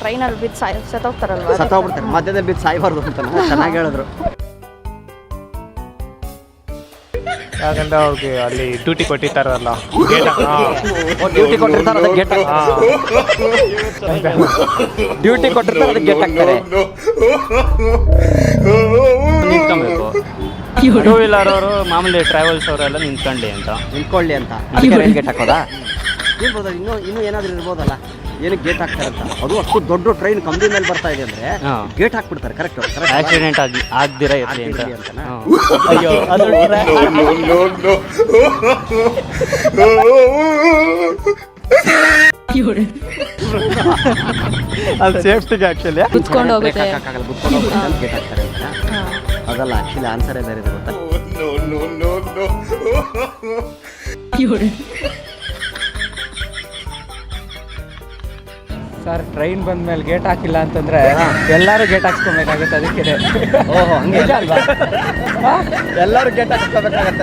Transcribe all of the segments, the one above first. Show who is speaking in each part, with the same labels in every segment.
Speaker 1: ಟ್ರೈನಲ್ಲಿ ಬಿದ್ದು ಸತ್ತೋಗ್ತಾರಲ್ವಾ,
Speaker 2: ಸತ್ತೋಗ್ಬಿಡ್ತಾರೆ. ಮಧ್ಯದಲ್ಲಿ ಬಿದ್ದು ಸಾಯ್ಬಾರ್ದು ಅಂತ ಚೆನ್ನಾಗಿ ಹೇಳಿದ್ರು.
Speaker 3: ಯಾಕಂದ್ರೆ ಅವ್ರಿಗೆ ಅಲ್ಲಿ ಡ್ಯೂಟಿ ಕೊಟ್ಟಿರ್ತಾರಲ್ಲ,
Speaker 2: ಡ್ಯೂಟಿ ಕೊಟ್ಟಿರ್ತಾರೆ ಅದಕ್ಕೆ ಗೇಟ್ ಡ್ಯೂಟಿ ಕೊಟ್ಟಿರ್ತಾರೆ ಅದಕ್ಕೆ ಗೇಟ್ ಹಾಕ್ತಾರೆ.
Speaker 3: ನಿಂತ್ಕೊಬೇಕು. ಟೂ ವೀಲರ್ ಅವರು ಮಾಮೂಲಿ ಟ್ರಾವೆಲ್ಸ್ ಅವರೆಲ್ಲ
Speaker 2: ನಿಂತ್ಕೊಳ್ಳಿ ಅಂತ ಅದಕ್ಕೆ ಗೇಟ್ ಹಾಕೋದಾ? ಇರ್ಬೋದು, ಇನ್ನೂ ಏನಾದರೂ ಇರ್ಬೋದಲ್ಲ, ಏನಕ್ಕೆ ಗೇಟ್ ಹಾಕ್ತಾರೆ ಅಂತ. ಅದು ಅಷ್ಟು ದೊಡ್ಡ ಟ್ರೈನ್ ಕಂಬಿ ಮೇಲೆ ಬರ್ತಾ ಇದೆ ಅಂದ್ರೆ ಗೇಟ್ ಹಾಕ್ಬಿಡ್ತಾರೆ. ಕರೆಕ್ಟ್
Speaker 3: ಆಕ್ಸಿಡೆಂಟ್ ಆಗ್ದಿರ ಇರಲಿ ಅಂತ.
Speaker 2: ಅಯ್ಯೋ ಅದು ಸೇಫ್ಟಿಗೆ ಆಕ್ಚುಲಿ
Speaker 1: ಕುತ್ಕೊಂಡು ಹೋಗುತ್ತೆ,
Speaker 2: ಗೇಟ್ ಹಾಕ್ತಾರೆ ಅಂತ. ಅದಲ್ಲ, ಆಕ್ಚುಲಿ ಆನ್ಸರೇ ಬೇರೆ ಇದೆ ಗೊತ್ತಾ.
Speaker 4: ಸರ್, ಟ್ರೈನ್ ಬಂದ ಮೇಲೆ ಗೇಟ್ ಹಾಕಿಲ್ಲ ಅಂತಂದ್ರೆ ಎಲ್ಲರೂ ಗೇಟ್ ಹಾಕ್ಸ್ಕೊಬೇಕಾಗುತ್ತೆ. ಅದಕ್ಕೆ
Speaker 2: ಓಹೋ, ಹಂಗೆ ಅಲ್ವಾ? ಎಲ್ಲರೂ ಗೇಟ್ ಹಾಕ್ಸ್ಕೋಬೇಕಾಗತ್ತೆ.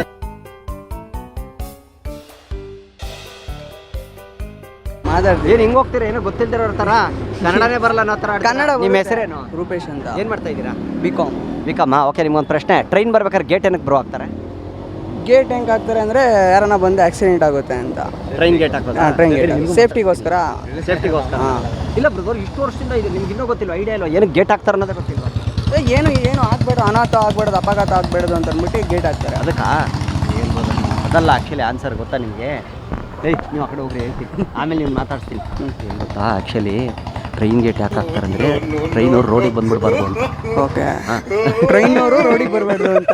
Speaker 4: ಮಾತಾಡ್ತೀವಿ.
Speaker 2: ಏನು ಹಿಂಗೆ ಹೋಗ್ತೀರಾ? ಏನೋ ಗೊತ್ತಿಲ್ದಿರೋ ಥರ, ಕನ್ನಡನೇ ಬರಲ್ಲ ಅನ್ನೋ ಥರ.
Speaker 4: ಕನ್ನಡ.
Speaker 2: ನಿಮ್ಮ ಹೆಸರೇನು?
Speaker 4: ರೂಪೇಶ್ ಅಂತ.
Speaker 2: ಏನು ಮಾಡ್ತಾ ಇದ್ದೀರಾ?
Speaker 4: ಬಿಕಾಮ್.
Speaker 2: ಓಕೆ, ನಿಮ್ಗೊಂದು ಪ್ರಶ್ನೆ. ಟ್ರೈನ್ ಬರ್ಬೇಕಾದ್ರೆ ಗೇಟ್ ಏನಕ್ಕೆ ಬ್ರೋ ಹಾಕ್ತಾರೆ?
Speaker 4: ಗೇಟ್ ಹೆಂಗೆ ಹಾಕ್ತಾರೆ ಅಂದರೆ ಯಾರನ್ನ ಬಂದು ಆಕ್ಸಿಡೆಂಟ್ ಆಗುತ್ತೆ ಅಂತ.
Speaker 2: ಟ್ರೈನ್ ಗೇಟ್ ಹಾಕೋದು?
Speaker 4: ಟ್ರೈನ್ ಗೇಟ್ ಸೇಫ್ಟಿಗೋಸ್ಕರ.
Speaker 2: ಇಲ್ಲ ಬ್ರದರ್, ಇಷ್ಟು ವರ್ಷದಿಂದ ಇದೆ, ನಿಮ್ಗೆ ಇನ್ನೂ ಗೊತ್ತಿಲ್ಲ, ಐಡಿಯಾ ಇಲ್ಲ ಏನಕ್ಕೆ ಗೇಟ್ ಹಾಕ್ತಾರೆ ಅನ್ನೋದೇ ಗೊತ್ತಿಲ್ಲ.
Speaker 4: ಏನು ಆಗ್ಬೇಡ, ಅನಾಥ ಆಗ್ಬೇಡದು, ಅಪಘಾತ ಆಗ್ಬೇಡದು ಅಂತ ಅಂದ್ಬಿಟ್ಟು ಗೇಟ್ ಹಾಕ್ತಾರೆ.
Speaker 2: ಅದಕ್ಕೆ ಅದಲ್ಲ ಆ್ಯಕ್ಚುಲಿ ಆನ್ಸರ್ ಗೊತ್ತಾ ನಿಮಗೆ? ನೀವು ಆ ಕಡೆ ಹೋಗ್ರಿ, ಹೇಳ್ತೀನಿ, ಆಮೇಲೆ ನೀವು ಮಾತಾಡ್ತೀನಿ. ಏನು ಗೊತ್ತಾ ಆ್ಯಕ್ಚುಲಿ ಟ್ರೈನ್ ಗೇಟ್ ಯಾಕೆ ಹಾಕ್ತಾರಂದ್ರೆ ಟ್ರೈನವ್ರು ರೋಡಿಗೆ ಬಂದ್ಬಿಡ್ಬಾರ್ದು ಅಂತ.
Speaker 4: ಓಕೆ, ಟ್ರೈನವರು ರೋಡಿಗೆ ಬರಬಾರ್ದು ಅಂತ.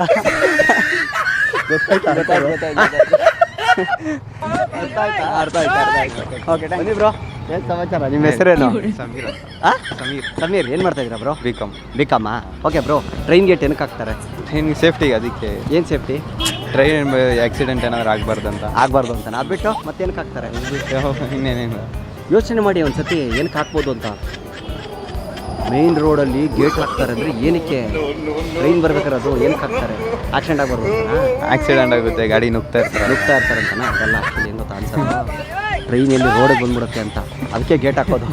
Speaker 4: ಅರ್ಥ ಆಯ್ತು. ಓಕೆ,
Speaker 2: ಬನ್ನಿ ಬ್ರೋ. ಏನು ಸಮಾಚಾರ? ನಿಮ್ಮ ಹೆಸರೇನು?
Speaker 5: ಸಮೀರ್.
Speaker 2: ಏನು ಮಾಡ್ತಾ ಇದ್ದೀರಾ bro?
Speaker 5: B Com.
Speaker 2: Okay bro, train gate ಏನಕ್ಕೆ ಹಾಕ್ತಾರೆ?
Speaker 5: ಟ್ರೈನ್ಗೆ ಸೇಫ್ಟಿಗೆ. ಅದಕ್ಕೆ
Speaker 2: ಏನು ಸೇಫ್ಟಿ?
Speaker 5: ಟ್ರೈನ್ ಆಕ್ಸಿಡೆಂಟ್ ಏನಾದ್ರು ಆಗಬಾರ್ದು ಅಂತ.
Speaker 2: ಅದ್ಬಿಟ್ಟು ಮತ್ತೇನಕ್ಕೆ ಹಾಕ್ತಾರೆ?
Speaker 5: ಇನ್ನೇನಿಲ್ಲ,
Speaker 2: ಯೋಚನೆ ಮಾಡಿ ಒಂದು ಸತಿ ಏನಕ್ಕೆ ಹಾಕ್ಬೋದು ಅಂತ. ಮೇನ್ ರೋಡಲ್ಲಿ ಗೇಟ್ ಹಾಕ್ತಾರೆ ಅಂದರೆ ಏನಕ್ಕೆ? ಟ್ರೈನ್ ಬರ್ಬೇಕಾದ್ರೆ ಅದು ಏನಕ್ಕೆ ಹಾಕ್ತಾರೆ? ಆಕ್ಸಿಡೆಂಟ್ ಆಗಬಾರ್ದು.
Speaker 5: ಆಕ್ಸಿಡೆಂಟ್ ಆಗುತ್ತೆ, ಗಾಡಿ ನುಗ್ತಾ
Speaker 2: ಇರ್ತಾರೆ ಅಂತಾನೆ. ಅದೆಲ್ಲ ಆ್ಯಕ್ಚುಲಿ ಏನು ಗೊತ್ತಾ ಆನ್ಸರ್? ಟ್ರೈನಲ್ಲಿ ರೋಡಿಗೆ ಬಂದ್ಬಿಡುತ್ತೆ ಅಂತ, ಅದಕ್ಕೆ ಗೇಟ್ ಹಾಕೋದು.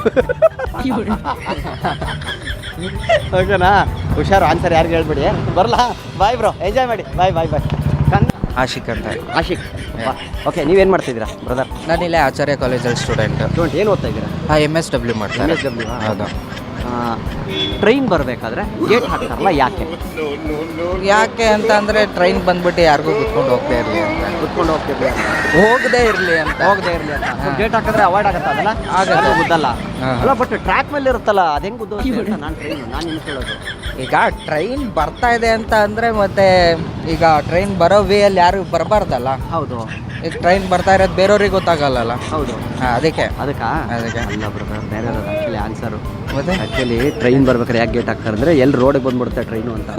Speaker 2: ಓಕೆನಾ? ಹುಷಾರು, ಆನ್ಸರ್ ಯಾರಿಗೆ ಹೇಳ್ಬಿಡಿ. ಬರಲ್ಲ, ಬಾಯ್ ಬ್ರೋ, ಎಂಜಾಯ್ ಮಾಡಿ. ಬಾಯ್.
Speaker 4: ಆಶಿಕ್ ಅಂತ.
Speaker 2: ಆಶಿಕ್, ಓಕೆ, ನೀವೇನು ಮಾಡ್ತಿದ್ದೀರಾ ಬ್ರದರ್?
Speaker 4: ನಾನಿಲ್ಲೇ ಆಚಾರ್ಯ ಕಾಲೇಜಲ್ಲಿ ಸ್ಟೂಡೆಂಟ್.
Speaker 2: ಏನು ಓದ್ತಾ ಇದ್ದೀರಾ?
Speaker 4: MSW ಮಾಡ್ತಾರೆ.
Speaker 2: ಹೌದು. ಟ್ರೈನ್ ಬರಬೇಕಾದ್ರೆ ಗೇಟ್ ಹಾಕ್ತಾರಲ್ಲ,
Speaker 4: ಯಾಕೆ ಅಂತ ಅಂದರೆ ಟ್ರೈನ್ ಬಂದ್ಬಿಟ್ಟು ಯಾರಿಗೂ ಕುತ್ಕೊಂಡು ಹೋಗ್ತಾ ಇರಲಿ ಅಂತ. ಹೋಗದೇ ಇರಲಿ ಅಂತ.
Speaker 2: ಗೇಟ್ ಹಾಕಿದ್ರೆ ಅವಾಯ್ಡ್ ಆಗುತ್ತೆ. ಅದಲ್ಲ ಆಗಲ್ಲ, ಗುದ್ದಲ್ಲ ಅಲ್ಲ. ಬಟ್ ಟ್ರ್ಯಾಕ್ ಮೇಲೆ ಇರುತ್ತಲ್ಲ, ಅದು ಹೆಂಗೆ ಗುದ್ದು? ನಾನು ನಿಮ್ಗೆ ಕೇಳೋದು,
Speaker 4: ಈಗ ಟ್ರೈನ್ ಬರ್ತಾ ಇದೆ ಅಂತ ಅಂದರೆ ಮತ್ತೆ ಈಗ ಟ್ರೈನ್ ಬರೋ ವೇಯಲ್ಲಿ ಯಾರು ಬರಬಾರ್ದಲ್ಲ.
Speaker 2: ಹೌದು.
Speaker 4: ಈಗ ಟ್ರೈನ್ ಬರ್ತಾ ಇರೋದು ಬೇರೆಯವ್ರಿಗೆ ಗೊತ್ತಾಗಲ್ಲ.
Speaker 2: ಹೌದು,
Speaker 4: ಅದಕ್ಕೆ
Speaker 2: ಅಲ್ಲ ಬ್ರದರ್, ಬೇರೆ ಆ್ಯಕ್ಚುಲಿ ಆನ್ಸರು.
Speaker 4: ಮತ್ತೆ
Speaker 2: ಆ್ಯಕ್ಚುಲಿ ಟ್ರೈನ್ ಬರ್ಬೇಕಾದ್ರೆ ಯಾಕೆ ಗೇಟ್ ಹಾಕ್ತಾರೆ ಅಂದರೆ ಎಲ್ಲಿ ರೋಡಿಗೆ ಬಂದ್ಬಿಡುತ್ತೆ ಟ್ರೈನು ಅಂತ.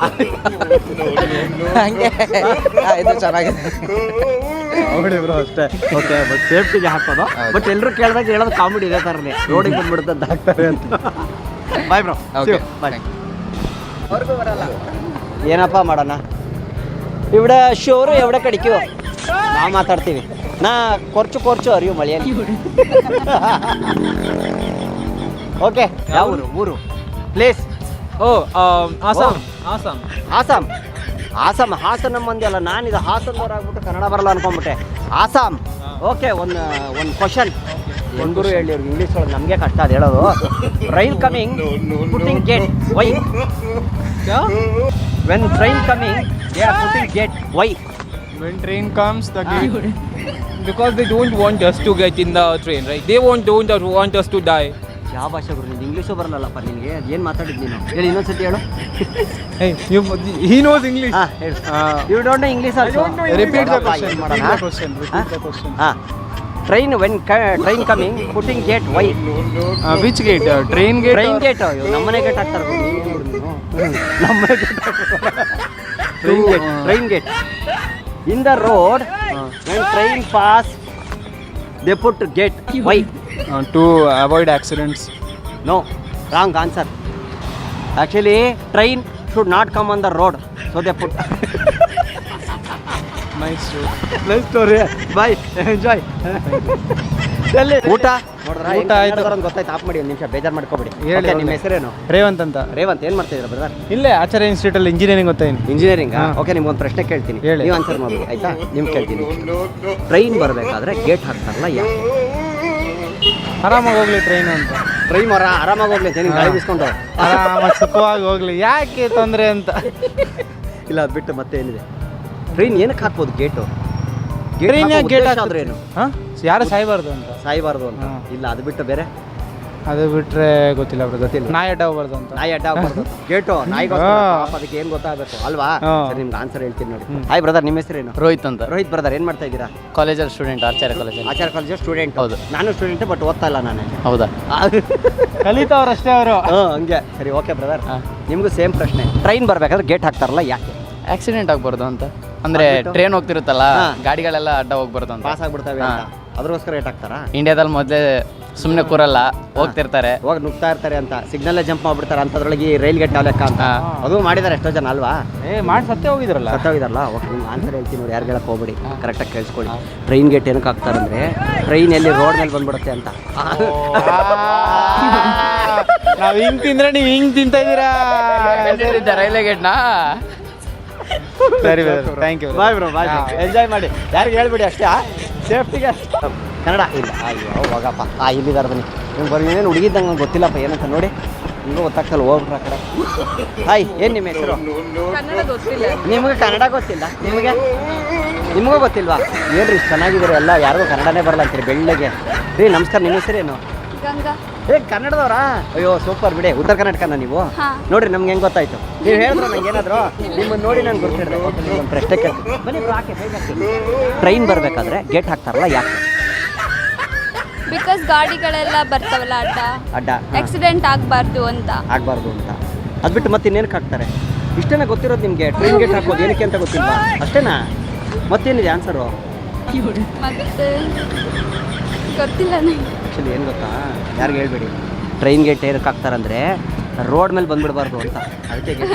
Speaker 4: ಹಂಗೆ ಇದು ಚೆನ್ನಾಗಿದೆ.
Speaker 2: ಅಷ್ಟೇ. ಓಕೆ, ಬಟ್ ಸೇಫ್ಟಿಗೆ ಹಾಕೋದು. ಬಟ್ ಎಲ್ಲರೂ ಕೇಳಿದಾಗ ಹೇಳೋದು ಕಾಮಿಡಿ ಇದೇ ಥರನೇ, ರೋಡಿಗೆ ಬಂದ್ಬಿಡುತ್ತೆ ಅಂತ ಹಾಕ್ತಾರೆ ಅಂತ. Bye bro.
Speaker 4: Okay,
Speaker 2: bye. ಅವ್ರಿಗೂ ಬರಲ್ಲ, ಏನಪ್ಪ ಮಾಡೋಣ? ഇവിടെ ಶೋರು ಎവിടെ ಕಡಿಕೋ ನಾವು ಮಾತಾಡ್ತೀವಿ. ನಾ ಕೊರ್ಚು ಅರಿವು ಮಳೆಯಲ್ಲಿ. ಓಕೆ, ಯಾವ ಊರು ಪ್ಲೇಸ್? ಆಸಾಮ್. ಹಾಸನ ಮಂದಿ ಅಲ್ಲ, ನಾನಿದು ಹಾಸನದವ್ರು ಆಗ್ಬಿಟ್ಟು ಕನ್ನಡ ಬರಲ್ಲ ಅನ್ಕೊಂಡ್ಬಿಟ್ಟೆ. ಆಸಾಮ್. ಓಕೆ, ಒಂದು ಕ್ವಶನ್ ಹೆಂಗರು ಹೇಳಿ ಅವ್ರಿಗೆ ಇಂಗ್ಲೀಷ್ ಒಳಗೆ, ನಮಗೆ ಕಷ್ಟ ಅದು ಹೇಳೋದು. Train coming, putting gate, why? When train coming they are putting gate, why?
Speaker 6: When train comes, the gate, because they don't want us to get in the train, right? They don't want us to die.
Speaker 2: ಯಾವ ಭಾಷೆ ಗುರು? ನಿಂಗೆ English ಬರಲ್ಲಪ್ಪ ನಿನಗೆ. ಏನು ಮಾತಾಡಿದ್ದು ನೀನು? ಹೇಳಿ, ಇನ್ನೊಂದ್ಸತಿ ಹೇಳು.
Speaker 6: Hey, he knows English.
Speaker 2: ಹೇಳು. You don't know English also?
Speaker 6: Repeat the question.
Speaker 2: Train when train coming putting gate, why?
Speaker 6: Which gate? Train gate?
Speaker 2: Train gate. ನಮ್ಮನೆ ಗೇಟ್ ಹಾಕ್ತಾರೆ ಗುರು. ನಮ್ಮನೆ ಗೇಟ್ ಹಾಕ್ತಾರೆ. Train gate in the road. When train pass they put gate, why?
Speaker 6: To avoid accidents.
Speaker 2: No, wrong answer. Actually, train should not come on the road, so they put.
Speaker 6: Nice
Speaker 2: story. Bye. Enjoy. ಊಟ ಊಟ ಆಯ್ತು ಗೊತ್ತಾಯ್ತು. Of ಮಾಡಿ ಒಂದು ನಿಮಿಷ, ಬೇಜಾರು ಮಾಡ್ಕೋಬೇಡಿ.
Speaker 5: ಹೇಳಿ.
Speaker 2: ನಿಮ್ಮ ಹೆಸರೇನು?
Speaker 5: ರೇವಂತ್ ಅಂತ.
Speaker 2: ರೇವಂತ್, ಏನು ಮಾಡ್ತಾ ಇದ್ದೀರಾ ಬ್ರದರ್?
Speaker 5: ಇಲ್ಲೇ ಆಚಾರ್ಯ ಇನ್ಸ್ಟಿಟ್ಯೂಟ್ ಅಲ್ಲಿ ಇಂಜಿನಿಯರಿಂಗ್ ಗೊತ್ತಾಯಿನಿ.
Speaker 2: ಇಂಜಿನಿಯರಿಂಗ್. ಓಕೆ, ನಿಮ್ಗೊಂದು ಪ್ರಶ್ನೆ ಕೇಳ್ತೀನಿ,
Speaker 5: ಹೇಳಿ.
Speaker 2: ನೀವು ಆನ್ಸರ್ ಮಾಡಿ ಆಯ್ತಾ? ನಿಮ್ಗೆ ಕೇಳ್ತೀನಿ, ಟ್ರೈನ್ ಬರಬೇಕಾದ್ರೆ ಗೇಟ್ ಹಾಕ್ತಾರಲ್ಲ ಯಾಕೆ?
Speaker 5: ಆರಾಮಾಗಿ ಹೋಗ್ಲಿ ಟ್ರೈನ್ ಅಂತ.
Speaker 2: ಟ್ರೈನ್ ಆರಾಮಾಗಿ ಹೋಗ್ಲಿ ಅಂತ ನಿಮ್ಗೆ ಗಾಳಿ ಬಿಸ್ಕೊಂಡು
Speaker 5: ಆರಾಮಾಗಿ ಸುಖವಾಗಿ ಹೋಗ್ಲಿ, ಯಾಕೆ ತೊಂದರೆ ಅಂತ.
Speaker 2: ಇಲ್ಲ, ಅದು ಬಿಟ್ಟು ಮತ್ತೆ ಏನಿದೆ? ಟ್ರೈನ್ ಏನಕ್ಕೆ ಹಾಕ್ಬೋದು ಗೇಟು?
Speaker 5: ಟ್ರೈನ್ ಗೇಟ್
Speaker 2: ಆದ್ರೆ ಏನು?
Speaker 5: ಹಾಂ, ಯಾರು ಸಾಯ್ಬಾರ್ದು ಅಂತ.
Speaker 2: ಸಾಯ್ಬಾರ್ದು ಅಂತ. ಇಲ್ಲ, ಅದು ಬಿಟ್ಟು ಬೇರೆ
Speaker 5: ಅದು ಬಿಟ್ರೆ ಗೊತ್ತಿಲ್ಲ ಬ್ರೋ.
Speaker 2: ಗೊತ್ತಿಲ್ಲ.
Speaker 5: ನಾಯಿ ಅಡ್ಡ ಹೋಗ್ಬಾರ್ದು ಅಂತ.
Speaker 2: ನಾಯಿ ಅಡ್ಡ ಹಾಕ್ಬಾರ್ದು. ಗೇಟು ನಾಯಿಗೆ ಅದಕ್ಕೆ ಏನು ಗೊತ್ತಾಗಬೇಕು ಅಲ್ವಾ? ಸರಿ, ನಿಮ್ಗೆ ಆನ್ಸರ್ ಹೇಳ್ತೀನಿ ನೋಡಿ. ಹಾಯ್ ಬ್ರದರ್, ನಿಮ್ಮ ಹೆಸರೇನು?
Speaker 3: ರೋಹಿತ್ ಅಂತ.
Speaker 2: ರೋಹಿತ್ ಬ್ರದರ್, ಏನು ಮಾಡ್ತಾ ಇದ್ದೀರಾ?
Speaker 3: ಕಾಲೇಜಲ್ಲಿ ಸ್ಟೂಡೆಂಟ್, ಆಚಾರ್ಯ ಕಾಲೇಜಲ್ಲಿ.
Speaker 2: Acharya college student?
Speaker 3: ಹೌದು.
Speaker 2: ನಾನು ಸ್ಟೂಡೆಂಟ್, ಬಟ್ ಓದ್ತಾ ಇಲ್ಲ ನಾನು.
Speaker 3: ಹೌದಾ?
Speaker 5: ಕಲಿತವ್ರಷ್ಟೇ ಅವರು.
Speaker 2: ಹಂಗೆ. ಸರಿ, ಓಕೆ ಬ್ರದರ್, ನಿಮಗೂ ಸೇಮ್ ಪ್ರಶ್ನೆ. ಟ್ರೈನ್ ಬರಬೇಕಾದ್ರೆ ಗೇಟ್ ಹಾಕ್ತಾರಲ್ಲ ಯಾಕೆ?
Speaker 3: ಆಕ್ಸಿಡೆಂಟ್ ಆಗ್ಬಾರ್ದು ಅಂತ. ಅಂದ್ರೆ
Speaker 2: ಆಗ್ಬಿಟ್ಟು?
Speaker 3: ಟ್ರೈನ್ ಹೋಗ್ತಿರುತ್ತಲ್ಲ,
Speaker 2: ಹಾ.
Speaker 3: ಗಾಡಿಗಳೆಲ್ಲ ಅಡ್ಡ ಹೋಗ್ಬಾರ್ದು ಅಂತ.
Speaker 2: ಪಾಸ್ ಆಗ್ಬಿಡ್ತವೆ ಅಂತ ಅದ್ರೋಸ್ಕರ ಗೇಟ್ ಹಾಕ್ತಾರಾ?
Speaker 3: ಇಂಡಿಯಾದಲ್ಲಿ ಮೊದಲೇ ಸುಮ್ಮನೆ ಕೂರಲ್ಲ, ಹೋಗ್ತಿರ್ತಾರೆ.
Speaker 2: ಹೋಗಿ ನುಗ್ತಾ ಇರ್ತಾರೆ ಅಂತ, ಸಿಗ್ನಲ್ಲೇ ಜಂಪ್ ಮಾಡ್ಬಿಡ್ತಾರೆ ಅಂತದ್ರೊಳಗೆ ರೈಲ್ ಗೇಟ್ ಲೆಕ್ಕ ಅಂತ.
Speaker 3: ಹಾ.
Speaker 2: ಅದು ಮಾಡಿದ್ದಾರೆ ಎಷ್ಟೋ ಜನ ಅಲ್ವಾ?
Speaker 5: ಮಾಡಿ ಸತ್ತೇ ಹೋಗಿದ್ರಲ್ಲ.
Speaker 2: ಸತ್ತೋಗಿದಾರಲ್ಲ. ಓಕೆ, ನಿಮ್ಗೆ ಆನ್ಸರ್ ಹೇಳ್ತೀನಿ ನೋಡಿ, ಯಾರು ಹೇಳಕ್ಕೆ ಹೋಗ್ಬೇಡಿ, ಕರೆಕ್ಟಾಗಿ ಕೇಳಿಸ್ಕೊಳ್ಳಿ. ಟ್ರೈನ್ ಗೇಟ್ ಏನಕ್ಕೆ ಹಾಕ್ತಾರಂದ್ರೆ ಟ್ರೈನ್ ಎಲ್ಲಿ ರೋಡ್ ಮೇಲೆ ಬಂದ್ಬಿಡುತ್ತೆ ಅಂತ.
Speaker 5: ನಾವು ಹಿಂಗ್ ತಿಂದ್ರೆ ನೀವು ಹಿಂಗ್ ತಿಂತಾ ಇದ್ದೀರಾ.
Speaker 3: ರೈಲ್ವೆ ಗೇಟ್ನಾ?
Speaker 5: ಸರಿ thank you.
Speaker 2: Bye bro, bye. Enjoy ಮಾಡಿ, ಯಾರಿಗೆ ಹೇಳ್ಬಿಡಿ ಅಷ್ಟೇ, ಸೇಫ್ಟಿಗೆ. ಕನ್ನಡ ಇಲ್ಲ. ಅಯ್ಯೋ ಹೋಗಪ್ಪ. ಇಲ್ಲಿದ್ದಾರೆ ಬನ್ನಿ. ನೀವು ಬರೀ ಏನೇನು ಹುಡುಗಿದ್ದಂಗೆ ನಂಗೆ ಗೊತ್ತಿಲ್ಲಪ್ಪ ಏನಂತ ನೋಡಿ, ನಿಮಗೂ ಗೊತ್ತಾಗ್ತಲ್ಲ, ಹೋಗ್ಬಿಟ್ರೆ ಆ ಕಡೆ. ಹಾಯ್, ಏನು ನಿಮ್ಮ ಹೆಸರು? ನಿಮಗೆ ಕನ್ನಡ ಗೊತ್ತಿಲ್ಲ? ನಿಮಗೂ ಗೊತ್ತಿಲ್ವಾ? ಏನ್ರಿ ಇಷ್ಟು ಚೆನ್ನಾಗಿದ್ದೀರಿ ಎಲ್ಲ, ಯಾರಿಗೂ ಕನ್ನಡನೇ ಬರಲ್ಲ ಅಂತೀರಿ ಬೆಳ್ಳಗೆ. ರೀ ನಮಸ್ಕಾರ, ನಿಮ್ಮ ಹೆಸರೇನು?
Speaker 1: ಗಂಗಾ.
Speaker 2: ಕನ್ನಡದವರಾ? ಅಯ್ಯೋ ಸೂಪರ್ ಬಿಡಿ, ಉತ್ತರ ಕರ್ನಾಟಕನ ನೀವು? ನೋಡ್ರಿ, ನಮ್ಗೆ ಹೆಂಗೆ ಗೊತ್ತಾಯ್ತು? ನೀವು ಹೇಳಿದ್ರೆ ನಂಗೆ ಏನಾದ್ರು ನಿಮ್ಮನ್ನು ನೋಡಿ ನಾನು ಗೊತ್ತಿಡ್ದೆ. ಒಂದು ಪ್ರಶ್ನೆ ಕೇಳ್ತೀನಿ ಬನ್ನಿ. ಟ್ರೈನ್ ಬರಬೇಕಾದ್ರೆ ಗೇಟ್ ಹಾಕ್ತಾರಲ್ಲ ಯಾಕೆ?
Speaker 1: ಬಿಕಾಸ್ ಗಾಡಿಗಳೆಲ್ಲ ಬರ್ತಾವಲ್ಲ
Speaker 2: ಅಡ್ಡ
Speaker 1: ಆಕ್ಸಿಡೆಂಟ್ ಆಗಬಾರ್ದು ಅಂತ.
Speaker 2: ಆಗಬಾರ್ದು ಅಂತ. ಅದು ಬಿಟ್ಟು ಮತ್ತೆ ಇನ್ನೇನಕ್ಕೆ ಹಾಕ್ತಾರೆ? ಇಷ್ಟೇನ ಗೊತ್ತಿರೋದು ನಿಮಗೆ? ಟ್ರೈನ್ ಗೇಟ್ ಹಾಕೋದು ಏನಕ್ಕೆ ಅಂತ ಗೊತ್ತಿಲ್ವಾ? ಅಷ್ಟೇನಾ? ಮತ್ತೇನಿದೆ ಆನ್ಸರು?
Speaker 1: ಮತ್ತೆ ಗೊತ್ತಿಲ್ಲ ನನಗೆ.
Speaker 2: ಆ್ಯಕ್ಚುಲಿ ಏನು ಗೊತ್ತಾ, ಯಾರಿಗೆ ಹೇಳ್ಬೇಡಿ. ಟ್ರೈನ್ ಗೇಟ್ ಏನಕ್ಕೆ ಹಾಕ್ತಾರಂದ್ರೆ ರೋಡ್ ಮೇಲೆ ಬಂದ್ಬಿಡಬಾರ್ದು ಅಂತ. ಅದಕ್ಕೆ ಗೇಟ್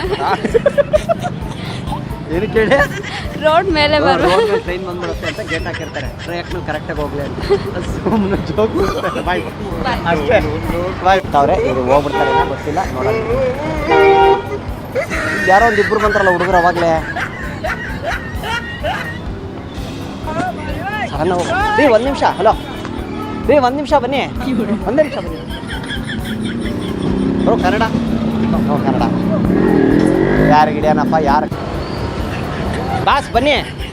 Speaker 2: ಏನಕ್ಕೆ ಹೇಳಿ?
Speaker 1: ರೋಡ್ ಮೇಲೆ
Speaker 2: ರೋಡ್ ಮೇಲೆ ಟ್ರೈನ್ ಬಂದ್ಬಿಡುತ್ತೆ ಅಂತ ಗೇಟ್ ಹಾಕಿರ್ತಾರೆ. ಟ್ರ್ಯಾಕ್ ಮೇಲೆ ಕರೆಕ್ಟಾಗಿ ಹೋಗ್ಲಿ ಅಂತ. ಸುಮ್ಮನೆ ಜೋಕ್. ಬಾಯ್ ಅಷ್ಟೇ. ಬಾಯ್ ಅವ್ರೆ, ಇದು ಹೋಗ್ಬಿಡ್ತಾರೆ ಏನೋ ಗೊತ್ತಿಲ್ಲ, ನೋಡೋಣ. ಯಾರೋ ಒಂದು ಇಬ್ಬರು ಬಂತಾರಲ್ಲ ಹುಡುಗರು ಅವಾಗಲೇ. ಸಣ್ಣ ರೀ, ಒಂದು ನಿಮಿಷ. ಹಲೋ ರೀ, ಒಂದು ನಿಮಿಷ ಬನ್ನಿ. ಒಂದೇ ನಿಮಿಷ ಬನ್ನಿ. ಬ್ರೋ ಕನ್ನಡ? ನೋ ಕನ್ನಡ. ಯಾರಿಗೆ ಹಿಡಿಯೋಣಪ್ಪ? ಯಾರು? ಬಾಸ್ ಬನ್ನಿ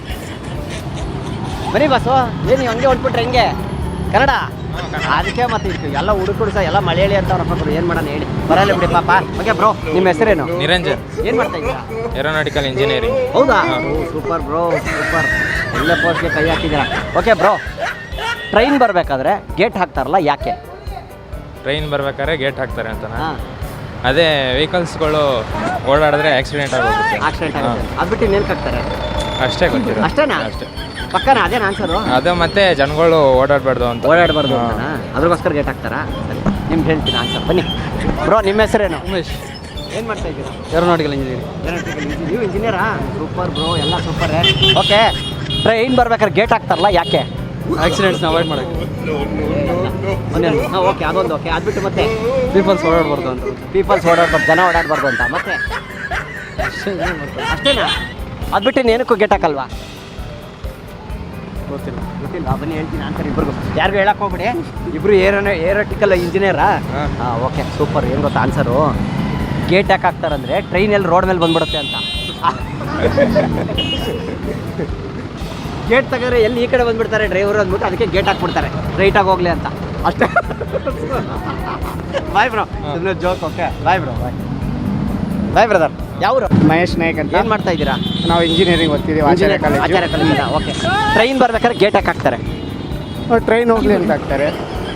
Speaker 2: ಬನ್ನಿ ಬಾಸು. ಏನು ನೀವು ಹಂಗೆ ಹೊಟ್ಬಿಟ್ರೆ ಹೆಂಗೆ? ಕನ್ನಡ? ಅದಕ್ಕೆ ಮತ್ತೆ ಇತ್ತು ಎಲ್ಲ ಹುಡುಕರು ಸಹ ಎಲ್ಲ ಮಲಯಾಳಿ ಅಂತ ಅವ್ರಪ್ಪ. ಏನು ಮಾಡೋಣ ಹೇಳಿ, ಬರಲ್ಲ ಬಿಡಿ ಪಾಪ. ಓಕೆ ಬ್ರೋ, ನಿಮ್ಮ ಹೆಸರೇನು?
Speaker 6: ನಿರಂಜನ್.
Speaker 2: ಏನು ಮಾಡ್ತಾ ಇದ್ದೀರಾ?
Speaker 6: Aeronautical engineering.
Speaker 2: ಹೌದಾ? Super bro, super. ಒಳ್ಳೆ ಪೋಸ್ಟ್ಗೆ ಕೈ ಹಾಕಿದ್ದೀರಾ. ಓಕೆ ಬ್ರೋ, ಟ್ರೈನ್ ಬರಬೇಕಾದ್ರೆ ಗೇಟ್ ಹಾಕ್ತಾರಲ್ಲ ಯಾಕೆ?
Speaker 6: ಟ್ರೈನ್ ಬರ್ಬೇಕಾದ್ರೆ ಗೇಟ್ ಹಾಕ್ತಾರೆ ಅಂತನಾ?
Speaker 2: ಹಾಂ,
Speaker 6: ಅದೇ ವೆಹಿಕಲ್ಸ್ಗಳು ಓಡಾಡಿದ್ರೆ ಆಕ್ಸಿಡೆಂಟ್ ಆಗೋಗುತ್ತೆ.
Speaker 2: ಆಕ್ಸಿಡೆಂಟ್ ಆಗುತ್ತೆ. ಅದು ಬಿಟ್ಟು ಇನ್ನೇನು ಹಾಕ್ತಾರೆ?
Speaker 6: ಅಷ್ಟೇ ಗೊತ್ತಿರೋ.
Speaker 2: ಅಷ್ಟೇನಾ?
Speaker 6: ಅಷ್ಟೇ.
Speaker 2: ಪಕ್ಕನಾ? ಅದೇನು ಆನ್ಸರು?
Speaker 6: ಅದು ಮತ್ತೆ ಜನಗಳು ಓಡಾಡಬಾರ್ದು ಅಂತ.
Speaker 2: ಓಡಾಡಬಾರ್ದು ಅಂತನಾ? ಅದ್ರಗೋಸ್ಕರ ಗೇಟ್ ಹಾಕ್ತಾರಾ? ಸರಿ, ನಿಮ್ಗೆ ಹೇಳ್ತೀನಿ ಆನ್ಸರ್. ಬನ್ನಿ ಬ್ರೋ, ನಿಮ್ಮ ಹೆಸರೇನು?
Speaker 5: ಉಮೇಶ್.
Speaker 2: ಏನು ಮಾಡ್ತಾ ಇದ್ದೀರಾ?
Speaker 5: Aeronautical engineering.
Speaker 2: ನೀವು ಇಂಜಿನಿಯರಾ? ಸೂಪರ್ ಬ್ರೋ, ಎಲ್ಲ ಸೂಪರ್. ಓಕೆ, ಟ್ರೈನ್ ಬರ್ಬೇಕಾದ್ರೆ ಗೇಟ್ ಹಾಕ್ತಾರಲ್ಲ ಯಾಕೆ?
Speaker 5: ಆಕ್ಸಿಡೆಂಟ್ಸ್ನ ಅವಾಯ್ಡ್ ಮಾಡೋಕ್ಕೆ.
Speaker 2: ಹಾಂ, ಓಕೆ, ಅದೊಂದು. ಓಕೆ, ಅದು ಬಿಟ್ಟು ಮತ್ತೆ
Speaker 5: ಪೀಪಲ್ಸ್ ಓಡಾಡಬಾರ್ದು ಅಂತ.
Speaker 2: ಪೀಪಲ್ಸ್ ಓಡಾಡ್ಬಾರ್ದು, ಜನ ಓಡಾಡಬಾರ್ದು ಅಂತ. ಮತ್ತೆ ಅಷ್ಟೇನಾ? ಅದು ಬಿಟ್ಟು ಏನಕ್ಕೂ ಗೇಟ್ ಹಾಕಲ್ವಾ?
Speaker 5: ಗೊತ್ತಿಲ್ಲ.
Speaker 2: ಗೊತ್ತಿಲ್ಲ. ಬನ್ನಿ ಹೇಳ್ತೀನಿ ಆನ್ಸರ್ ಇಬ್ಬರಿಗೂ. ಯಾರಿಗೂ ಹೇಳಕ್ಕೆ ಹೋಗ್ಬಿಡಿ. ಇಬ್ಬರು ಏರೋಟಿಕಲ್ ಇಂಜಿನಿಯರಾ? ಹಾಂ, ಓಕೆ, ಸೂಪರ್. ಏನು ಗೊತ್ತಾ ಆನ್ಸರು? ಗೇಟ್ ಯಾಕೆ ಹಾಕ್ತಾರಂದ್ರೆ ಟ್ರೈನ್ ಎಲ್ಲಿ ರೋಡ್ ಮೇಲೆ ಬಂದ್ಬಿಡುತ್ತೆ ಅಂತ. ಗೇಟ್ ತಗೋರೆ ಎಲ್ಲಿ ಈ ಕಡೆ ಬಂದ್ಬಿಡ್ತಾರೆ ಡ್ರೈವರು ಅಂದ್ಬಿಟ್ಟು ಅದಕ್ಕೆ ಗೇಟ್ ಹಾಕ್ಬಿಡ್ತಾರೆ, ರೈಟಾಗಿ ಹೋಗ್ಲಿ ಅಂತ. ಅಷ್ಟೇ. ಬಾಯ್ ಬ್ರೋ, ಸುಮ್ಮನೆ joke. Okay, bye bro. Bye bye brother. ಯಾವರು?
Speaker 5: ಮಹೇಶ್ ನಾಯಕ್ ಅಂತ.
Speaker 2: ಏನು ಮಾಡ್ತಾ ಇದ್ದೀರಾ?
Speaker 5: ನಾವು ಇಂಜಿನಿಯರಿಂಗ್ ಓದ್ತಿದ್ದೀವಿ, ಆಚಾರ್ಯ
Speaker 2: ಆಚಾರ್ಯ ಕಾಲೇಜಿಂದ. ಓಕೆ, ಟ್ರೈನ್ ಬರ್ಬೇಕಾದ್ರೆ ಗೇಟ್ ಯಾಕೆ ಹಾಕ್ತಾರೆ?
Speaker 5: ಟ್ರೈನ್ ಹೋಗ್ಲಿ ಅಂತ ಹಾಕ್ತಾರೆ.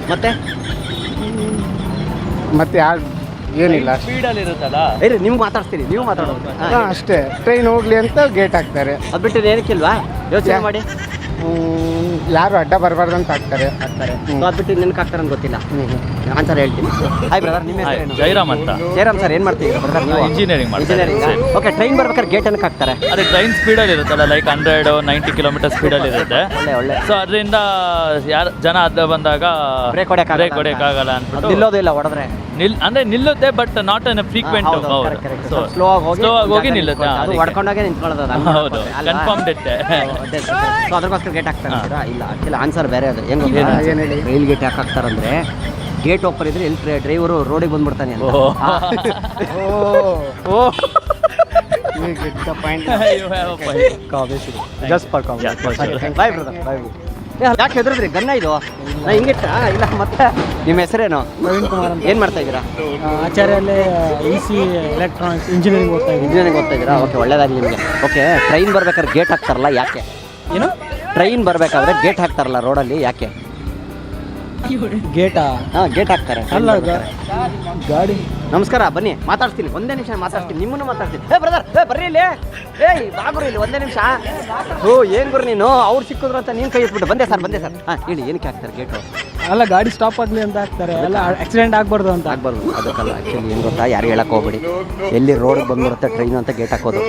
Speaker 2: ಮತ್ತೆ
Speaker 5: ಯಾರು ಏನಿಲ್ಲ,
Speaker 3: ಸ್ಪೀಡಲ್ಲಿ ಇರುತ್ತಲ್ಲ.
Speaker 2: ಇರಿ, ನಿಮ್ಗೆ ಮಾತಾಡ್ತೀನಿ, ನೀವು ಮಾತಾಡೋದು.
Speaker 5: ಅಷ್ಟೇ. ಟ್ರೈನ್ ಹೋಗ್ಲಿ ಅಂತ ಗೇಟ್ ಹಾಕ್ತಾರೆ.
Speaker 2: ಅದು ಬಿಟ್ಟು ಏನಕ್ಕಿಲ್ವಾ? ಯೋಚನೆ ಮಾಡಿ.
Speaker 5: ಯಾರು ಅಡ್ಡ ಬರಬಾರ್ದು ಅಂತ ಹಾಕ್ತಾರೆ.
Speaker 2: ಅದು ಬಿಟ್ಟು ನೆನಕ್ಕೆ ಹಾಕ್ತಾರೆ ಅಂತ ಗೊತ್ತಿಲ್ಲ. ಆನ್ಸರ್ ಹೇಳ್ತೀನಿ. ಹಾಯ್ ಬ್ರದರ್, ನಿಮ್ಮ ಹೆಸರೇನು?
Speaker 3: ಜೈರಾಮ್ ಅಂತ.
Speaker 2: ಜಯರಾಮ್ ಸರ್, ಏನು ಮಾಡ್ತೀರಾ ಬ್ರದರ್ ನೀವು?
Speaker 3: ಇಂಜಿನಿಯರಿಂಗ್ ಮಾಡ್ತೀನಿ.
Speaker 2: ಇಂಜಿನಿಯರಿಂಗ್. ಓಕೆ, ಟ್ರೈನ್ ಬರ್ಬೇಕಾದ್ರೆ ಗೇಟ್ ಏನಕ್ಕೆ ಹಾಕ್ತಾರೆ?
Speaker 3: ಅದೇ ಟ್ರೈನ್ ಸ್ಪೀಡಲ್ಲಿ ಇರುತ್ತಲ್ಲ, ಲೈಕ್ 190 ಕಿಲೋಮೀಟರ್ ಸ್ಪೀಡಲ್ಲಿ ಇರುತ್ತೆ.
Speaker 2: ಒಳ್ಳೆ
Speaker 3: ಸೊ ಅದರಿಂದ ಯಾರು ಜನ ಅಡ್ಡ ಬಂದಾಗ
Speaker 2: ಬ್ರೇಕ್
Speaker 3: ಹೊಡೆಯೋಕ್ಕಾಗಲ್ಲ ಅಂದ್ಬಿಟ್ಟು
Speaker 2: ನಿಲ್ಲೋದಿಲ್ಲ, ಹೊಡೆದ್ರೆ
Speaker 3: ಅಂದ್ರೆ ನಿಲ್ಲುತ್ತೆ, but not infrequent.
Speaker 2: Slow ಆಗಿ
Speaker 3: ಹೋಗಿ ನಿಲ್ಲುತ್ತೆ.
Speaker 2: ಅದು ಹೊಡ್ಕೊಂಡಾಗೆ ನಿಂತ್ಕೊಳ್ಳೋದು ಅದು.
Speaker 3: ಹೌದು, ಕನ್ಫರ್ಮ್ ಡೆತ್ತೆ.
Speaker 2: ಸೊ ಅದಕ್ಕೋಸ್ಕರ ಗೇಟ್ ಹಾಕ್ತಾರಾ? ಇಲ್ಲ, ಆಕ್ಚುಲಿ ಆನ್ಸರ್ ಬೇರೆ ಅದು. ಹೆಂಗ್ ರೈಲ್ ಗೇಟ್ ಯಾಕೆ ಹಾಕ್ತಾರಂದ್ರೆ ಗೇಟ್ ಓಪನ್ ಇದ್ರೆ ಎಲ್ಲಿ ಡ್ರೈವರು ರೋಡಿಗೆ ಬಂದ್ಬಿಡ್ತಾನೆ ಅಂತ. Bye brother, bye. ಯಾಕೆ ಹೆದರಿದ್ರಿ? ಗನ್ನ ಇದು ನಾ ಹಿಂಗಿಟ್ಟ ಇಲ್ಲ. ಮತ್ತೆ ನಿಮ್ಮ ಹೆಸರೇನು?
Speaker 7: ಪ್ರವೀಣ್ ಕುಮಾರ್ ಅಂತ.
Speaker 2: ಏನು ಮಾಡ್ತಾ ಇದ್ದೀರಾ?
Speaker 7: ಆಚಾರ್ಯಲ್ಲೇ EC ಎಲೆಕ್ಟ್ರಾನಿಕ್ಸ್ ಇಂಜಿನಿಯರಿಂಗ್ ಓದ್ತಾ ಇದ್ದೀನಿ.
Speaker 2: ಇಂಜಿನಿಯರಿಂಗ್ ಓದ್ತಾ ಇದ್ದೀರಾ? ಓಕೆ, ಒಳ್ಳೇದಾಗಲಿ ನಿಮಗೆ. ಓಕೆ, ಟ್ರೈನ್ ಬರ್ಬೇಕಾದ್ರೆ ಗೇಟ್ ಹಾಕ್ತಾರಲ್ಲ, ಯಾಕೆ?
Speaker 7: ಏನು
Speaker 2: ಟ್ರೈನ್ ಬರಬೇಕಾದ್ರೆ ಗೇಟ್ ಹಾಕ್ತಾರಲ್ಲ ರೋಡಲ್ಲಿ, ಯಾಕೆ?
Speaker 7: ಗೇಟಾ?
Speaker 2: ಹಾಂ, ಗೇಟ್ ಹಾಕ್ತಾರೆ.
Speaker 7: ಅಲ್ಲ, ಗಾಡಿ.
Speaker 2: ನಮಸ್ಕಾರ, ಬನ್ನಿ ಮಾತಾಡ್ತೀನಿ. ಒಂದೇ ನಿಮಿಷ ಮಾತಾಡ್ತೀನಿ, ನಿಮ್ಮನ್ನು ಮಾತಾಡ್ತೀನಿ. ಏ ಬ್ರದರ್, ಬರ್ರಿ ಇಲ್ಲಿ. ಏಯ್ ಬಾಗುರು ಇಲ್ಲಿ ಒಂದೇ ನಿಮಿಷ. ಏನು ಗುರು ನೀನು? ಅವ್ರು ಸಿಕ್ಕಿದ್ರು ಅಂತ ನೀನು ಕೈ ಎತ್ಬಿಟ್ಟು ಬಂದೆ ಸರ್. ಹಾಂ, ಹೇಳಿ, ಏನಕ್ಕೆ ಹಾಕ್ತಾರೆ ಗೇಟು?
Speaker 7: ಅಲ್ಲ, ಗಾಡಿ ಸ್ಟಾಪ್ ಆಗಲಿ ಅಂತ ಹಾಕ್ತಾರೆ. ಅಲ್ಲ, ಆಕ್ಸಿಡೆಂಟ್ ಆಗ್ಬಾರ್ದು ಅಂತ.
Speaker 2: ಆಗ್ಬಾರ್ದು, ಅದಕ್ಕಲ್ಲ. ಆ್ಯಕ್ಚುಲಿ ಏನು ಗೊತ್ತಾ, ಯಾರು ಹೇಳಕ್ಕೆ ಹೋಗ್ಬೇಡಿ. ಎಲ್ಲಿ ರೋಡಿಗೆ ಬಂದ್ಬಿಡುತ್ತೆ ಟ್ರೈನು ಅಂತ ಗೇಟ್ ಹಾಕೋದು.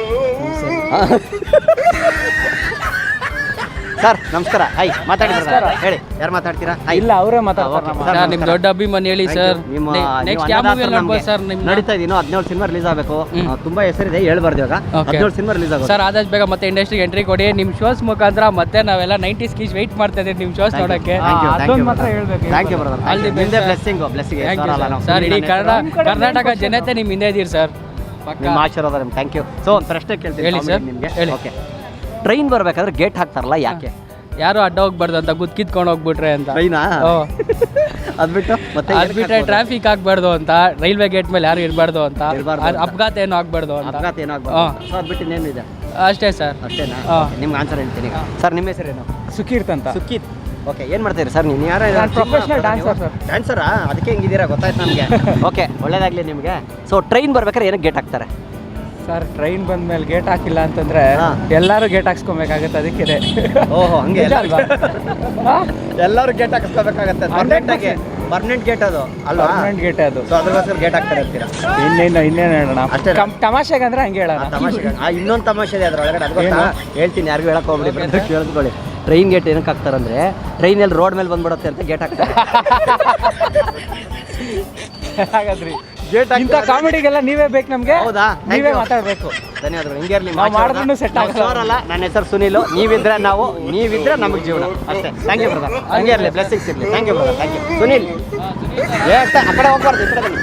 Speaker 2: ಸರ್ ನಮಸ್ಕಾರ. ಹಾಯ್, ಮಾತಾಡಿ ಸರ್. ಹೇಳಿ, ಯಾರು ಮಾತಾಡ್ತೀರಾ?
Speaker 7: ಇಲ್ಲ, ಅವರೇ ಮಾತಾಡ್ತಾರೆ.
Speaker 2: ಸರ್,
Speaker 4: ನಿಮ್ಮ ದೊಡ್ಡ ಅಭಿಮಾನಿ ಹೇಳಿ ಸರ್. ನೆಕ್ಸ್ಟ್ ಯಾವ ಮೂವಿ ನೋಡ್ಬೋದು ಸರ್?
Speaker 2: ನಡೀತಾ ಇದೀನೋ 17 ಸಿನಿಮಾ ರಿಲೀಸ್ ಆಗಬೇಕು. ತುಂಬಾ ಹೆಸರಿದೆ, ಹೇಳ್ಬಾರ್ದು ಇವಾಗ. 17 ಸಿನಿಮಾ ರಿಲೀಸ್ ಆಗುತ್ತೆ
Speaker 4: ಸರ್. ಆದಷ್ಟು ಬೇಗ ಮತ್ತೆ ಇಂಡಸ್ಟ್ರಿಗೆ ಎಂಟ್ರಿ ಕೊಡಿ. ನಿಮ್ಮ ಶೋಸ್ ಮುಖಾಂತರ ಮತ್ತೆ ನಾವೆಲ್ಲ 90s ಕಿಸ್ ವೆಯ್ಟ್ ಮಾಡ್ತಾ ಇದ್ದೀವಿ ನಿಮ್ಮ ಶೋಸ್ ನೋಡೋಕ್ಕೆ.
Speaker 7: ಅದೊಂದು ಮಾತ್ರ ಹೇಳ್ಬೇಕು.
Speaker 2: Thank you brother.
Speaker 4: All the best,
Speaker 2: ನಿಮ್ದೇ
Speaker 4: sir.
Speaker 2: ಬ್ಲೆಸ್ಸಿಂಗ್.
Speaker 4: ಸರ್, ಇಡೀ ಕರ್ನಾಟಕ ಜನತೆ ನಿಮ್ಮ ಹಿಂದೆ ಇದ್ದೀರಿ ಸರ್.
Speaker 2: ನಿಮ್ಮ ಆಶೀರ್ವಾದ ನಿಮ್ಗೆ. Thank you. ಸೊ ಒಂದು ಪ್ರಶ್ನೆ ಕೇಳ್ತೀನಿ
Speaker 4: ಹೇಳಿ ಸರ್,
Speaker 2: ನಿಮಗೆ.
Speaker 4: ಹೇಳಿ.
Speaker 2: ಓಕೆ, ಟ್ರೈನ್ ಬರ್ಬೇಕಾದ್ರೆ ಗೇಟ್ ಹಾಕ್ತಾರಲ್ಲ, ಯಾಕೆ?
Speaker 4: ಯಾರು ಅಡ್ಡ ಹೋಗ್ಬಾರ್ದು ಅಂತ, ಕಿತ್ಕೊಂಡು ಹೋಗ್ಬಿಟ್ರೆ ಅಂತ.
Speaker 2: ಟ್ರೈನಾ? ಅದ್ಬಿಟ್ಟು ಮತ್ತೆ
Speaker 4: ಅದ್ಬಿಟ್ರೆ ಟ್ರಾಫಿಕ್ ಆಗ್ಬಾರ್ದು ಅಂತ, ರೈಲ್ವೆ ಗೇಟ್ ಮೇಲೆ ಯಾರು ಇರಬಾರ್ದು ಅಂತ,
Speaker 2: ಇರ್ಬಾರ್ದು ಅಂತ.
Speaker 4: ಅಪಘಾತ ಏನು ಆಗ್ಬಾರ್ದು ಅಂತ.
Speaker 2: ಅಪಘಾತ ಏನಾಗ್ಬಾರ್ದು. ಸೊ ಅದ್ಬಿಟ್ಟು ಇನ್ನೇನಿದೆ?
Speaker 4: ಅಷ್ಟೇ ಸರ್.
Speaker 2: ಅಷ್ಟೇನಾ?
Speaker 4: ಹಾ.
Speaker 2: ನಿಮ್ಗೆ ಆನ್ಸರ್ ಹೇಳ್ತೀನಿ. ಸರ್, ನಿಮ್ಮ ಹೆಸರೇನು?
Speaker 7: ಸುಕೀರ್ತ್ ಅಂತ.
Speaker 2: ಸುಖಿತ್. ಓಕೆ, ಏನು ಮಾಡ್ತೀರಿ ಸರ್ ನೀವು? ಯಾರು?
Speaker 7: ನಾನು professional dancer, sir.
Speaker 2: ಡ್ಯಾನ್ಸರಾ? ಅದಕ್ಕೆ ಹಿಂಗಿದ್ದೀರಾ, ಗೊತ್ತಾಯ್ತು ನಮಗೆ. ಓಕೆ, ಒಳ್ಳೇದಾಗಲಿ ನಿಮಗೆ. ಸೊ ಟ್ರೈನ್ ಬರ್ಬೇಕಾದ್ರೆ ಏನಕ್ಕೆ ಗೇಟ್ ಹಾಕ್ತಾರೆ?
Speaker 7: ಸರ್, ಟ್ರೈನ್ ಬಂದ್ಮೇಲೆ ಗೇಟ್ ಹಾಕಿಲ್ಲ ಅಂತಂದ್ರೆ
Speaker 2: ಹಾ.
Speaker 7: ಎಲ್ಲರೂ ಗೇಟ್ ಹಾಕ್ಸ್ಕೊಬೇಕಾಗತ್ತೆ. ಅದಕ್ಕೆ
Speaker 2: ಓಹೋ, ಹಂಗೆ
Speaker 7: ನಿಜ ಅಲ್ವಾ?
Speaker 2: ಎಲ್ಲರೂ ಗೇಟ್ ಹಾಕಿಸ್ಕೋಬೇಕಾಗತ್ತೆ. ಪರ್ಮನೆಂಟ್ ಗೇಟ್ ಅದು ಅಲ್ವಾ?
Speaker 7: ಪರ್ಮನೆಂಟ್ ಗೇಟ್ ಅದು.
Speaker 2: ಸೊ ಅದಕ್ಕೋಸ್ಕರ ಗೇಟ್ ಹಾಕ್ತಾರೆ ಅಂತೀರಾ?
Speaker 7: ಇನ್ನೇನು ಹೇಳೋಣ?
Speaker 2: ಅಷ್ಟೇ.
Speaker 7: ತಮಾಷೆಗೆ ಅಂದ್ರೆ ಹಂಗೆ ಹೇಳೋಣ.
Speaker 2: ತಮಾಷೆ. ಇನ್ನೊಂದು ತಮಾಷೆ ಇದೆ ಅದ್ರೊಳಗಡೆ, ಅದು ಗೊತ್ತಾ? ಹೇಳ್ತೀನಿ, ಯಾರಿಗೂ ಹೇಳಕ್ ಹೋಗ್ಬಿಡಿ, ಕೇಳಿಸ್ಕೊಳ್ಳಿ. ಟ್ರೈನ್ ಗೇಟ್ ಏನಕ್ಕೆ ಹಾಕ್ತಾರಂದ್ರೆ ಟ್ರೈನಲ್ಲಿ ರೋಡ್ ಮೇಲೆ ಬಂದ್ಬಿಡುತ್ತೆ ಅಂತ ಗೇಟ್ ಹಾಕ್ತಾರೆ.
Speaker 7: ಹಾಗಾದ್ರಿ
Speaker 2: ಗೇಟ್
Speaker 7: ಇಂಥ ಕಾಮಿಡಿಗೆಲ್ಲ ನೀವೇ ಬೇಕು ನಮ್ಗೆ.
Speaker 2: ಹೌದಾ?
Speaker 7: ನೀವೇ ಮಾತಾಡ್ಬೇಕು.
Speaker 2: ಧನ್ಯವಾದಗಳು. ಹಿಂಗೆ ಇರಲಿ.
Speaker 7: ನಾವು ಮಾಡಿದ್ರು ಸೆಟ್ ಆಗಲ್ಲ.
Speaker 2: ನನ್ನ ಹೆಸರು ಸುನಿಲು. ನೀವಿದ್ರೆ ನಾವು, ನೀವಿದ್ರೆ ನಮಗೆ ಜೀವನ ಅಷ್ಟೇ. Thank you brother. ಹಂಗೆ ಇರಲಿ, ಬ್ಲೆಸ್ಸಿಂಗ್ಸ್ ಇರಲಿ. Thank you brother. Thank you Sunil. ಆ ಕಡೆ ಹೋಗ್ಬಾರ್ದು, ಈ ಕಡೆ ಬನ್ನಿ.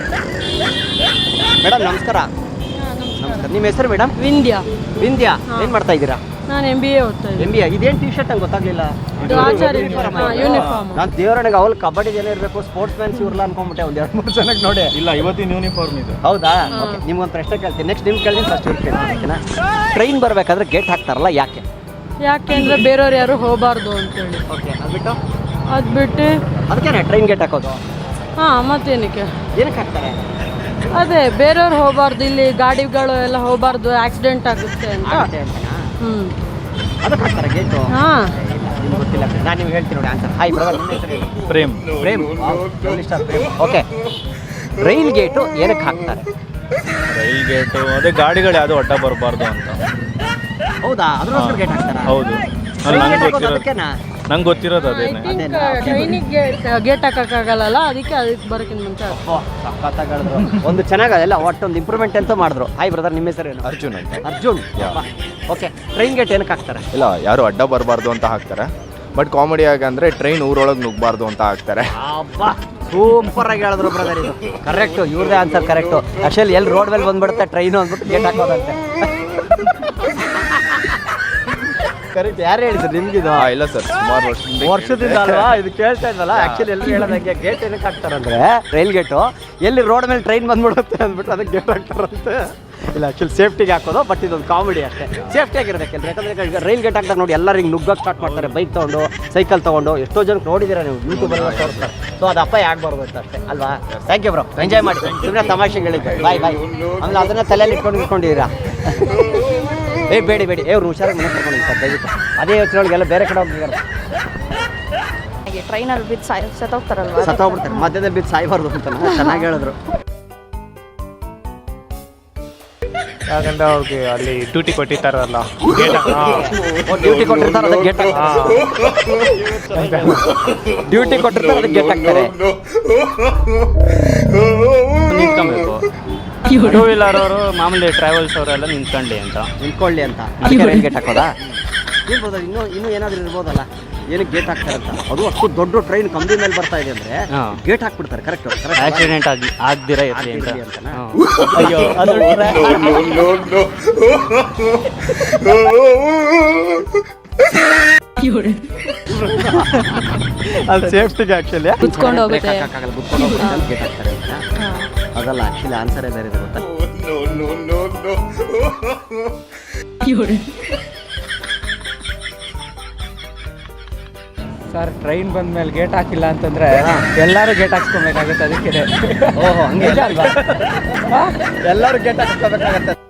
Speaker 2: ಮೇಡಮ್ ನಮಸ್ಕಾರ. ನಮಸ್ಕಾರ. ನಿಮ್ಮ ಹೆಸರು ಮೇಡಮ್?
Speaker 1: ವಿಂಧ್ಯ.
Speaker 2: ವಿಂದ್ಯಾ. ಏನು ಮಾಡ್ತಾ ಇದ್ದೀರಾ?
Speaker 1: ನಾನು MBA ಓದ್ತಾ ಇದ್ದೀನಿ.
Speaker 2: MBA. ಇದೇನು ಟೀ ಶರ್ಟ್ ಅಂತ ಗೊತ್ತಾಗ್ಲಿಲ್ಲ.
Speaker 1: ಇದು ಆಚಾರ್ಯ ಯೂನಿಫಾರ್ಮ್.
Speaker 2: ನಾನು ದೇವರನಿಗೆ ಅವಳು ಕಬಡ್ಡಿ ಜನ ಇರಬೇಕು, ಸ್ಪೋರ್ಟ್ಸ್ ಮ್ಯಾನ್ಸ್ ಇವ್ರಲ್ಲ ಅನ್ಕೊಂಡ್ಬಿಟ್ಟೆ. ಒಂದು 2-3 ಜನಕ್ಕೆ ನೋಡಿ.
Speaker 3: ಇಲ್ಲ, ಇವತ್ತಿನ ಯೂನಿಫಾರ್ಮ್ ಇದು.
Speaker 2: ಹೌದಾ? ಓಕೆ, ನಿಮ್ಗೊಂದು ಪ್ರಶ್ನೆ ಕೇಳ್ತೀನಿ. ನೆಕ್ಸ್ಟ್ ನಿಮ್ಗೆ ಕೇಳ್ತೀನಿ, ಫಸ್ಟ್ ಇವ್ರು ಕೇಳ್ತೀನಿ. ಓಕೆನಾ? ಟ್ರೈನ್ ಬರಬೇಕಾದ್ರೆ ಗೇಟ್ ಹಾಕ್ತಾರಲ್ಲ, ಯಾಕೆ?
Speaker 1: ಯಾಕೆಂದ್ರೆ ಬೇರೆಯವ್ರು ಯಾರು ಹೋಗಬಾರ್ದು ಅಂತೇಳಿ.
Speaker 2: ಓಕೆ, ಅದ್ಬಿಟ್ಟು
Speaker 1: ಅದ್ಬಿಟ್ಟು
Speaker 2: ಅದಕ್ಕೇನೆ ಟ್ರೈನ್ ಗೇಟ್ ಹಾಕೋದು?
Speaker 1: ಮತ್ತೇನಕ್ಕೆ?
Speaker 2: ಏನಕ್ಕೆ ಹಾಕ್ತಾರೆ?
Speaker 1: ಅದೇ ಬೇರೆಯವ್ರು ಹೋಗಬಾರ್ದು, ಇಲ್ಲಿ ಗಾಡಿಗಳು ಎಲ್ಲ ಹೋಗಬಾರ್ದು, ಆಕ್ಸಿಡೆಂಟ್ ಆಗುತ್ತೆ ಅಂತ.
Speaker 2: ಅದಕ್ಕೆ ಹಾಕ್ತಾರೆ ಗೇಟು?
Speaker 1: ಹಾಂ.
Speaker 2: ನಿಮ್ಗೆ ಗೊತ್ತಿಲ್ಲ, ನಾನು ನಿಮ್ಗೆ ಹೇಳ್ತೀನಿ ನೋಡಿ ಆನ್ಸರ್. ಹಾಯ್ ಬ್ರದರ್, ನಿಮ್ಮ ಹೆಸರು ಹೇಳಿ.
Speaker 3: Prem.
Speaker 2: Prem. Okay, rail gate ಏನಕ್ಕೆ ಹಾಕ್ತಾರೆ?
Speaker 3: ರೈಲ್ ಗೇಟು ಅದೇ ಗಾಡಿಗಳು ಯಾವುದು ಅಡ್ಡ ಬರಬಾರ್ದು ಅಂತ.
Speaker 2: ಹೌದಾ? ಅದಕ್ಕೋಸ್ಕರ ಗೇಟ್ ಹಾಕ್ತಾರಾ?
Speaker 3: ಹೌದು, ನಂಗೆ ಗೊತ್ತಿರೋದು ಅದೇನೆ.
Speaker 1: ಟ್ರೈನಿಗೆ ಗೇಟ್ ಹಾಕೋಕ್ಕಾಗಲ್ಲ, ಅದಕ್ಕೆ ಬರೋಕ್ಕಿಂತ ಮುಂಚೆ.
Speaker 2: ಸಖತ್ತಾಗಳ್ರು. ಒಂದು ಚೆನ್ನಾಗಲ್ಲ, ಒಟ್ಟೊಂದು ಇಂಪ್ರೂವ್ಮೆಂಟ್ ಅಂತ ಮಾಡಿದ್ರು. ಹಾಯ್ ಬ್ರದರ್, ನಿಮ್ಮ ಹೆಸರೇನು?
Speaker 5: ಅರ್ಜುನ್ ಅಂತ.
Speaker 2: ಅರ್ಜುನ್. ಓಕೆ, ಟ್ರೈನ್ ಗೇಟ್ ಏನಕ್ಕೆ ಹಾಕ್ತಾರೆ?
Speaker 5: ಇಲ್ಲ, ಯಾರು ಅಡ್ಡ ಬರಬಾರ್ದು ಅಂತ ಹಾಕ್ತಾರೆ. ಬಟ್ ಕಾಮಿಡಿ ಆಗಂದ್ರೆ ಟ್ರೈನ್ ಊರೊಳಗೆ ನುಗ್ಗಬಾರ್ದು ಅಂತ ಹಾಕ್ತಾರೆ.
Speaker 2: ಅಬ್ಬಾ, ಸೂಪರ್ ಆಗಿ ಹೇಳಿದ್ರು ಬ್ರದರ್. ಇದು ಕರೆಕ್ಟು, ಇವ್ರದೇ ಆನ್ಸರ್ ಕರೆಕ್ಟು. ಆಕ್ಚುಲಿ ಎಲ್ಲಿ ರೋಡ್ ಮೇಲೆ ಬಂದ್ಬಿಡುತ್ತೆ ಟ್ರೈನು ಅಂದ್ಬಿಟ್ಟು ಗೇಟ್ ಹಾಕೋದಂತೆ. ಕರೆಕ್ಟ್. ಯಾರು ಹೇಳಿದ್ರು ನಿಮ್ಗಿದು?
Speaker 5: ಇಲ್ಲ ಸರ್, ಸುಮಾರು
Speaker 2: ವರ್ಷದಿಂದ ಅಲ್ವಾ ಇದು ಕೇಳ್ತಾ ಇದ್ವಲ್ಲ. ಆಕ್ಚುಲಿ ಎಲ್ಲರೂ ಹೇಳೋದಂಗೆ ಗೇಟ್ ಏನಕ್ಕೆ ಹಾಕ್ತಾರಂದ್ರೆ ರೈಲ್ ಗೇಟು ಎಲ್ಲಿ ರೋಡ್ ಮೇಲೆ ಟ್ರೈನ್ ಬಂದ್ಬಿಡುತ್ತೆ ಅಂದ್ಬಿಟ್ಟು ಅದಕ್ಕೆ ಗೇಟ್ ಹಾಕ್ತಾರಂತೆ. ಇಲ್ಲ, ಆಕ್ಚುಲಿ ಸೇಫ್ಟಿಗೆ ಹಾಕೋದು. ಬಟ್ ಇದೊಂದು ಕಾಮಿಡಿ ಅಷ್ಟೇ. ಸೇಫ್ಟಿ ಆಗಿರಬೇಕಲ್ಲ. ಯಾಕಂದರೆ ರೈಲ್ ಗೇಟ್ ಹಾಕ್ದಾಗ ನೋಡಿ ಎಲ್ಲರೂ ಹಿಂಗೆ ನುಗ್ಗಕ್ಕೆ ಸ್ಟಾರ್ಟ್ ಮಾಡ್ತಾರೆ, ಬೈಕ್ ತೊಗೊಂಡು, ಸೈಕಲ್ ತೊಗೊಂಡು. ಎಷ್ಟೋ ಜನಕ್ಕೆ ನೋಡಿದ್ದೀರಾ ನೀವು, ಯೂಟ್ಯೂಬಲ್ಲಿ ತೋರಿಸ್ತಾರೆ. ಸೊ ಅದು ಅಪಾಯ ಆಗಬಾರ್ದು ಅಂತ ಅಷ್ಟೇ ಅಲ್ವಾ? ಥ್ಯಾಂಕ್ ಯು ಬ್ರೋ, ಎಂಜಾಯ್ ಮಾಡಿ. ಸುಮ್ಮನೆ ತಮಾಷೆಗೆ ಹೇಳಿದ್ದೆ. ಬಾಯ್ ಬಾಯ್. ಆಮೇಲೆ ಅದನ್ನು ತಲೆಯಲ್ಲಿ ಇಟ್ಕೊಂಡಿದ್ದೀರಾ? ಬೇಡಿ. ಅವ್ರು ಹುಷಾರಾಗಿ ಮನೆ ಕರ್ಕೊಂಡು ಸರ್, ದಯವಿಟ್ಟು. ಅದೇ ಯೋಚನೆ ಒಳಗೆಲ್ಲ ಬೇರೆ ಕಡೆ ಹೋಗಿದ್ದಾರೆ.
Speaker 8: ಟ್ರೈನಲ್ಲಿ ಬಿದ್ದು ಸತ್ತೋಗ್ತಾರಲ್ವಾ
Speaker 2: ಸತ್ತೋಗ್ಬಿಡ್ತಾರೆ, ಮಧ್ಯದಲ್ಲಿ ಬಿದ್ದು ಸಾಯ್ಬಾರ್ದು ಅಂತ ಚೆನ್ನಾಗಿ ಹೇಳಿದ್ರು.
Speaker 3: ಯಾಕಂದ್ರೆ ಅವ್ರಿಗೆ ಅಲ್ಲಿ ಡ್ಯೂಟಿ ಕೊಟ್ಟಿರ್ತಾರಲ್ಲ
Speaker 2: ಡ್ಯೂಟಿ ಕೊಟ್ಟಿರ್ತಾರೆ ಅದಕ್ಕೆ ಗೇಟ್ ಡ್ಯೂಟಿ ಕೊಟ್ಟಿರ್ತಾರೆ ಅದಕ್ಕೆ ಗೇಟ್ ಹಾಕ್ತಾರೆ.
Speaker 3: ನಿಂತ್ಕೊಬೇಕು. ಟೂ ವೀಲರ್ ಅವರು ಮಾಮೂಲಿ ಟ್ರಾವೆಲ್ಸ್ ಅವರೆಲ್ಲ ನಿಂತ್ಕೊಳ್ಳಿ ಅಂತ.
Speaker 2: ನಿಂತ್ಕೊಳ್ಳಿ ಅಂತ ಅದಕ್ಕೆ ರೈಲ್ ಗೇಟ್ ಹಾಕೋದಾ? ಇರ್ಬೋದು, ಇನ್ನೂ ಏನಾದರೂ ಇರ್ಬೋದಲ್ಲ, ಏನಕ್ಕೆ ಗೇಟ್ ಹಾಕ್ತಾರೆ ಅಂತ. ಅದು ಅಷ್ಟು ದೊಡ್ಡ ಟ್ರೈನ್ ಕಂಬಿ ಮೇಲೆ ಬರ್ತಾ ಇದೆ ಅಂದರೆ ಗೇಟ್ ಹಾಕ್ಬಿಡ್ತಾರೆ. ಕರೆಕ್ಟ್
Speaker 3: ಆಕ್ಸಿಡೆಂಟ್ ಆಗ್ದಿರ ಇರಲಿ ಅಂತ.
Speaker 2: ಅಯ್ಯೋ ಅದು ಅದು ಸೇಫ್ಟಿಗೆ ಆ್ಯಕ್ಚುಲಿ
Speaker 1: ಕುತ್ಕೊಂಡು ಹೋಗುತ್ತೆ.
Speaker 2: ಕುತ್ಕೊಂಡು ಹೋಗುತ್ತೆ ಅಂತ ಗೇಟ್ ಹಾಕ್ತಾರೆ ಅಂತ. ಅದಲ್ಲ ಆ್ಯಕ್ಚುಲಿ ಆನ್ಸರೇ ಬೇರೆ ಇದೆ ಗೊತ್ತಾ?
Speaker 4: ಸರ್ ಟ್ರೈನ್ ಬಂದ ಮೇಲೆ ಗೇಟ್ ಹಾಕಿಲ್ಲ ಅಂತಂದ್ರೆ ಎಲ್ಲರೂ ಗೇಟ್ ಹಾಕ್ಸ್ಕೊಬೇಕಾಗುತ್ತೆ. ಅದಕ್ಕೆ
Speaker 2: ಓಹೋ ಹಂಗೆ ಅಲ್ವಾ? ಎಲ್ಲರೂ ಗೇಟ್ ಹಾಕ್ಸ್ಕೋಬೇಕಾಗತ್ತೆ.